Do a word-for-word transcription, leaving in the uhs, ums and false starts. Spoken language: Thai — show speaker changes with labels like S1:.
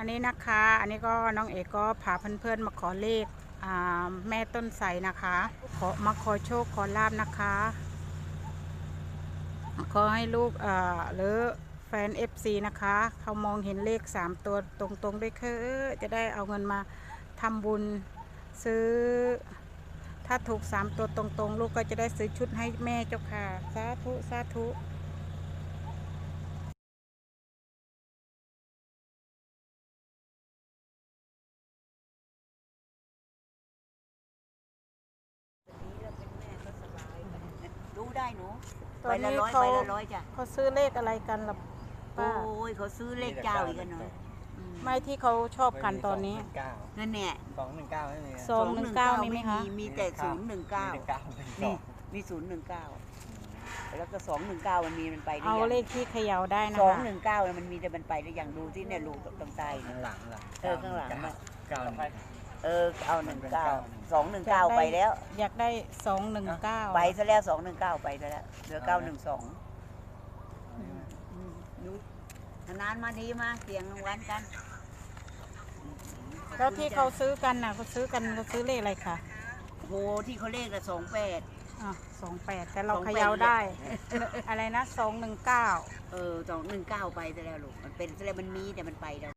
S1: อันนี้นะคะอันนี้ก็น้องเอกก็พาเพื่อนๆมาขอเลขแม่ต้นไทรนะคะขอมาขอโชคขอลาบนะคะขอให้ลูกหรือแฟน เอฟ ซี นะคะเขามองเห็นเลขสามตัวตรงๆด้วยคือจะได้เอาเงินมาทำบุญซื้อถ้าถูกสามตัวตรงๆลูกก็จะได้ซื้อชุดให้แม่เจ้าค่ะสาธุสาธุ
S2: รู้ได้หนู
S1: ตอนนี้เขาเขาซื้อเลขอะไรกันล่ะป้า
S2: โอ้ยเขาซื้อเลขเจ้าอีกกันเนาะ
S1: ไม่ที่เขาชอบกันตอนนี้
S2: นั่นเนี่ย
S3: สองหนึ่งเก้าไม่มี
S1: สองหนึ่งเก้ามีไหมคะ
S2: มีแต่ศูนย์หนึ่งเก้ามีมีศูนย์หนึ่งเก้าแล้วก็สองหนึ่งเก้ามันมีมันไป
S1: เอาเลขที่เขย่าได้นะ
S2: สองหนึ่งเก้ามันมีแต่มันไปได้อย่างดูที่เนี่ยลูกตรงใต้
S3: ข้างหลังหลัง
S2: เออข้างหลัง
S3: เก้า
S2: เออเอาหนึ่งเก้าสองหนึ่งเก้าไปแล้ว
S1: อยากได้สองหนึ่งเก้า
S2: ไปซะแล้วสองหนึ่งเก้าไปซะแล้วเหลือเก้าหนึ่งสองดูนานมาดีมาเสียงรางวัลกัน
S1: แล้วที่เขาซื้อกันน่ะเขาซื้อกันเขาซื้อเลขอะไรคะ
S2: โหที่เขาเลขละสองแปด
S1: อ่ะสองแปดแต่เราเขย่าได้อะไรนะสองหนึ่งเก้า
S2: เออสองหนึ่งเก้าไปซะแล้วลูกมันเป็นซะแล้วมันมีแต่มันไปแล้ว